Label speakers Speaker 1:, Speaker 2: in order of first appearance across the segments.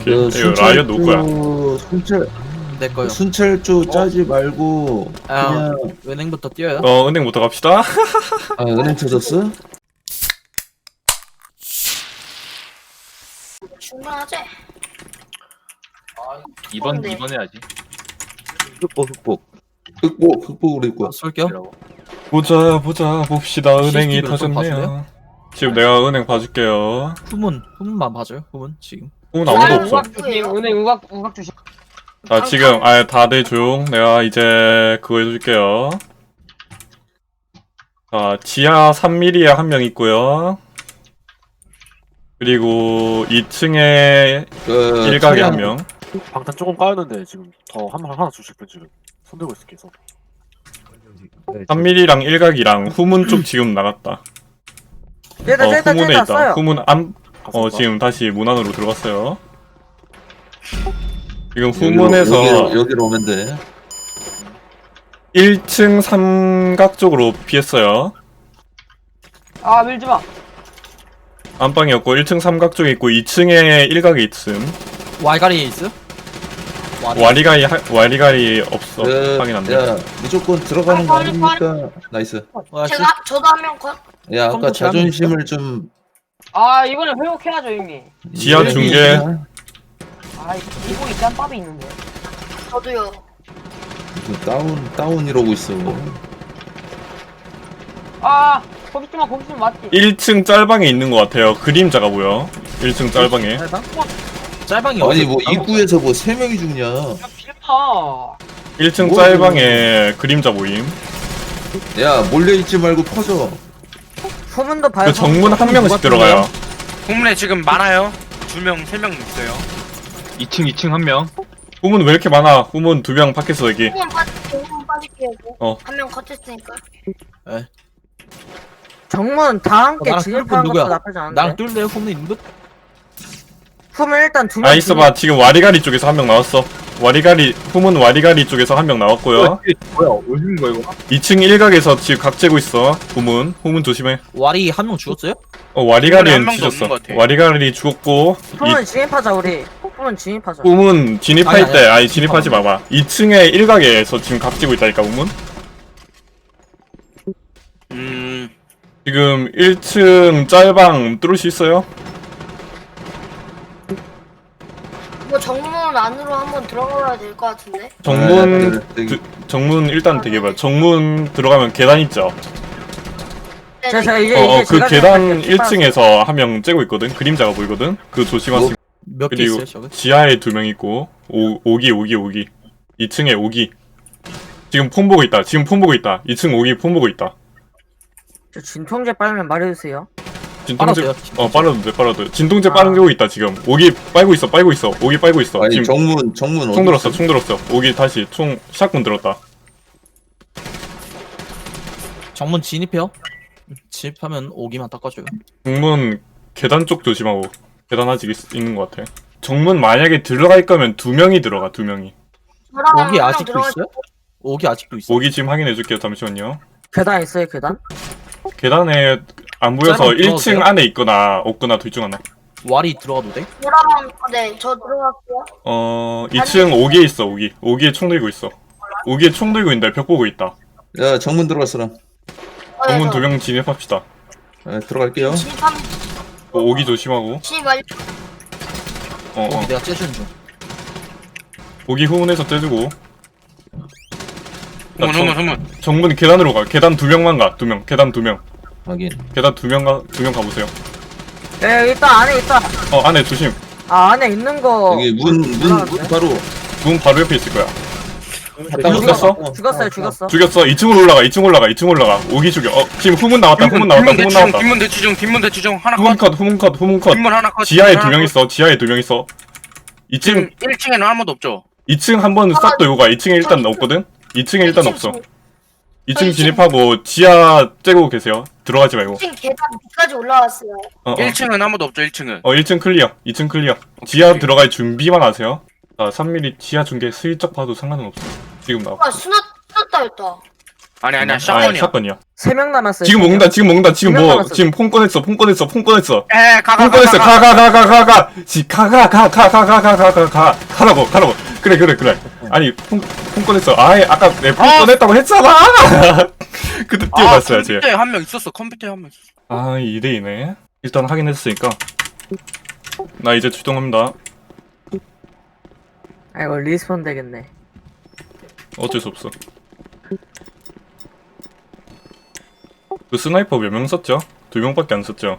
Speaker 1: 그
Speaker 2: 이거 라이언 누구야?
Speaker 3: 내 거요.
Speaker 1: 순찰주 짜지 말고
Speaker 3: 아,
Speaker 1: 그냥
Speaker 3: 은행부터 뛰어요.
Speaker 2: 은행부터 갑시다.
Speaker 1: 은행 찾았어?
Speaker 4: 충분하지?
Speaker 5: 이번
Speaker 4: 네.
Speaker 5: 해야지.
Speaker 1: 흑복으로 입고
Speaker 3: 쏠게요.
Speaker 2: 보자 봅시다. 은행이
Speaker 3: CCTV 를 좀
Speaker 2: 터졌네요. 지금 내가 은행 봐줄게요.
Speaker 3: 후문만 봐줘요. 후문 지금.
Speaker 2: 후문 아무도 없어.
Speaker 4: 은행
Speaker 6: 우각 주식.
Speaker 2: 자 지금 다들 조용. 내가 이제 그거 해줄게요. 자 지하 3mm에 한 명 있고요. 그리고 2층에
Speaker 1: 그
Speaker 2: 일각에 한 명.
Speaker 7: 방탄 조금 까였는데 지금 더 하나 주실 분 지금 손들고 있을게 계속.
Speaker 2: 3mm랑 일각이랑 후문 쪽 지금 나갔다. 후문에 있다. 후문 지금 다시 문 안으로 들어갔어요. 지금 후문에서
Speaker 1: 여기로 오면 돼.
Speaker 2: 1층 삼각 쪽으로 피했어요.
Speaker 6: 아 밀지 마.
Speaker 2: 안방이었고 1층 삼각 쪽에 있고 2층에 일각에 있음.
Speaker 3: 와이가리에 있어?
Speaker 2: 와리가리 없어. 확인 안 돼.
Speaker 1: 야 무조건 들어가는 거 아닙니까? 나이스.
Speaker 4: 저도 한 명 컷.
Speaker 1: 야 아까
Speaker 3: 컴퓨터
Speaker 1: 자존심을 좀
Speaker 6: 아 이번에 회복해야죠 형님.
Speaker 2: 지하 중계.
Speaker 6: 아 이거 일단 밥이 있는데.
Speaker 4: 저도요.
Speaker 1: 다운 이러고 있어.
Speaker 6: 아 거기쯤 맞지.
Speaker 2: 1층 짤방에 있는 것 같아요. 그림자가 보여. 1층 짤방에.
Speaker 3: 짤방이
Speaker 1: 아니
Speaker 3: 어디-
Speaker 1: 뭐 입구에서 뭐 3명이 죽냐?
Speaker 6: 야 빌마.
Speaker 2: 1층
Speaker 1: 뭐,
Speaker 2: 짤방에 그림자 보임.
Speaker 1: 야 몰래 있지 말고 퍼져.
Speaker 6: 후문도 봐요.
Speaker 2: 그 정문 한 명씩 들어가요.
Speaker 8: 후문에 지금 많아요. 2명, 3명 있어요.
Speaker 5: 2층 한 명.
Speaker 2: 후문 왜 이렇게 많아? 후문 2명 밖에서 여기.
Speaker 4: 한명 빠질게요.
Speaker 2: 어.
Speaker 4: 한 명 컷했으니까.
Speaker 6: 정문 다 함께
Speaker 3: 나랑
Speaker 6: 진입하는
Speaker 3: 뚫은 누구야?
Speaker 6: 것도 나쁘지 않은데.
Speaker 3: 나랑 뚫래요. 후문 있는 분?
Speaker 6: 후문 일단 두 명.
Speaker 2: 아 있어봐. 지금 와리가리 쪽에서 한 명 나왔어. 후문 와리가리 쪽에서 한 명 나왔고요.
Speaker 5: 뭐야? 어디 있는 거야 이거?
Speaker 2: 2층 일각에서 지금 각 재고 있어. 후문 조심해.
Speaker 3: 와리 한 명 죽었어요?
Speaker 8: 한
Speaker 2: 와리가리는
Speaker 8: 명도
Speaker 2: 뒤졌어.
Speaker 8: 없는 것 같아.
Speaker 2: 와리가리 죽었고
Speaker 6: 후문 진입하자 우리. 후문 진입하자.
Speaker 2: 후문 진입할
Speaker 3: 아니,
Speaker 2: 때
Speaker 3: 아니,
Speaker 2: 진입하지 마봐. 2층에 일각에서 지금 각 재고 있다니까 후문. 지금 1층 짤방 뚫을 수 있어요?
Speaker 4: 뭐 정문 안으로 한번 들어가야 될 것 같은데.
Speaker 2: 정문 일단 되게 봐. 정문 들어가면 계단 있죠.
Speaker 6: 자 이제
Speaker 2: 그
Speaker 6: 제가
Speaker 2: 계단
Speaker 6: 생각할게요.
Speaker 2: 1층에서 한 명 째고 있거든. 그림자가 보이거든. 그 조심하세요.
Speaker 3: 몇 개
Speaker 2: 그리고
Speaker 3: 있어요, 저거?
Speaker 2: 지하에 2명 있고 오기 2층에 오기. 지금 폰 보고 있다. 2층 오기 폰 보고 있다.
Speaker 6: 저 진통제 빨면 말해주세요.
Speaker 2: 진통제
Speaker 3: 빨아도요?
Speaker 2: 빨아도 돼. 진통제 빨고 있다 지금. 오기 빨고 있어. 오기 빨고 있어.
Speaker 1: 아니
Speaker 2: 지금
Speaker 1: 정문
Speaker 2: 총 들었어. 오기 다시 총 샷건 들었다.
Speaker 3: 정문 진입해요. 진입하면 오기만 닦아줘요.
Speaker 2: 정문 계단 쪽 조심하고. 계단 아직 있는 것 같아. 정문 만약에 들어갈 거면 2명이 들어가. 2명이.
Speaker 4: 저랑
Speaker 3: 오기
Speaker 4: 한명
Speaker 3: 아직도
Speaker 4: 들어가.
Speaker 3: 있어요? 오기 아직도 있어.
Speaker 2: 오기 지금 확인해 줄게요. 잠시만요.
Speaker 6: 계단 있어요 계단?
Speaker 2: 계단에 안 보여서
Speaker 3: 짧은
Speaker 2: 1층
Speaker 3: 들어가세요?
Speaker 2: 안에 있거나 없거나 둘 중 하나.
Speaker 3: 와리 들어가도 돼?
Speaker 4: 저랑 네, 저 들어갈게요.
Speaker 2: 2층 오기에 있어. 오기에 총 들고 있어. 오기에 총 들고 있는데 벽 보고 있다.
Speaker 1: 야 정문 들어갔어라.
Speaker 2: 정문 2명 진입합시다.
Speaker 1: 들어갈게요.
Speaker 4: 진입하면
Speaker 2: 오기 조심하고.
Speaker 4: 진입 완료.
Speaker 3: 오기 내가 째주는 중.
Speaker 2: 오기 후문에서 떼주고.
Speaker 8: 후문.
Speaker 2: 정문 계단으로 가. 계단 2명만 가. 2명. 계단 2명.
Speaker 1: 확인.
Speaker 2: 계단 2명 가보세요.
Speaker 6: 예 일단 안에 있다.
Speaker 2: 안에 조심.
Speaker 6: 아 안에 있는 거.
Speaker 1: 여기 문 바로
Speaker 2: 문 바로 옆에 있을 거야.
Speaker 1: 죽었어?
Speaker 6: 죽었어.
Speaker 2: 죽였어. 2층 올라가. 오기 죽여. 지금 후문 나왔다.
Speaker 8: 뒷문 대치 중. 하나 컷.
Speaker 2: 후문 컷.
Speaker 8: 뒷문 하나 컷.
Speaker 2: 지하에
Speaker 8: 뒷문
Speaker 2: 2명
Speaker 8: 하나
Speaker 2: 있어. 지하에 2명 있어.
Speaker 8: 지금
Speaker 2: 2층
Speaker 8: 1층에는 아무도 없죠.
Speaker 2: 2층 한 번은 싹 돌고 가. 2층에 일단 없거든. 2층에 일단 없어. 2층 진입하고 지하 째고 계세요. 들어가지 말고.
Speaker 4: 1층 계단 밑까지 올라왔어요.
Speaker 8: 1층은 아무도 없죠. 1층은.
Speaker 2: 1층 클리어. 2층 클리어. 지하 들어갈 준비만 하세요. 3mm 지하 중계 슬쩍 봐도 상관은 없어. 지금 나와.
Speaker 4: 수났다 했다.
Speaker 8: 아니야
Speaker 2: 아
Speaker 8: 샷건이야.
Speaker 2: 샷건이야.
Speaker 6: 3명 남았어요.
Speaker 2: 지금 먹는다 지금 먹는다 지금
Speaker 6: 명
Speaker 2: 뭐
Speaker 6: 남았어.
Speaker 2: 지금 폰 꺼냈어 폰 꺼냈어 폰 꺼냈어
Speaker 8: 에
Speaker 2: 폰 꺼냈어 가라고 그래 아니 폰 꺼냈어 아이 아까 내 폰 꺼냈다고 했잖아 그때 뛰어갔어야지
Speaker 8: 컴퓨터에 한 명 있었어. 컴퓨터에 한 명 있었어.
Speaker 2: 아 2대2네 일단 확인했으니까 나 이제 출동합니다
Speaker 6: 아이고 리스폰 되겠네.
Speaker 2: 어쩔 수 없어 그 스나이퍼 몇 명 썼죠? 2명밖에 안 썼죠?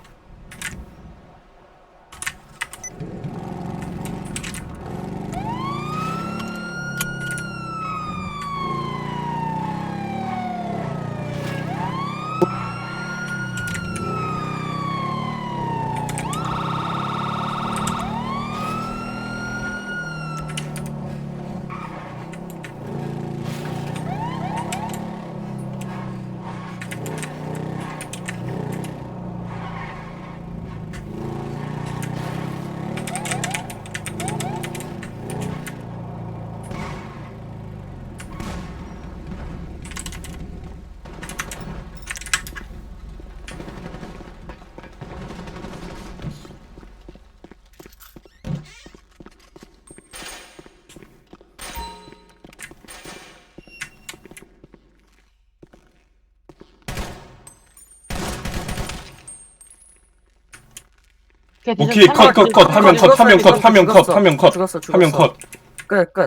Speaker 2: 오케이 컷 한 명 컷
Speaker 6: 죽었어. 끝.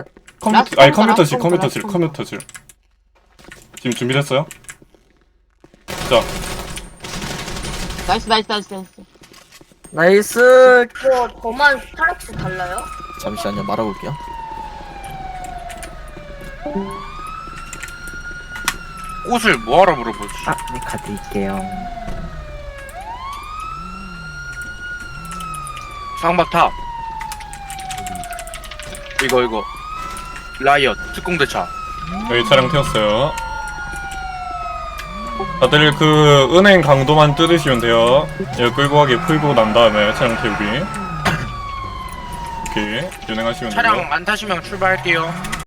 Speaker 2: 컴퓨터실 지금 준비됐어요? 자
Speaker 6: 나이스.
Speaker 4: 이거 저만 타락수 달라요?
Speaker 3: 잠시만요 말하고 올게요.
Speaker 8: 꽃을 뭐하러 물어보지?
Speaker 6: 네 가드릴게요.
Speaker 8: 상박탑. 이거 라이엇 특공대차.
Speaker 2: 여기 차량 태웠어요 다들 그 은행 강도만 뜯으시면 돼요 여기 끌고 가게 풀고 난 다음에 차량 태우기 오케이 진행하시면 되고요
Speaker 8: 차량 안 타시면 출발할게요.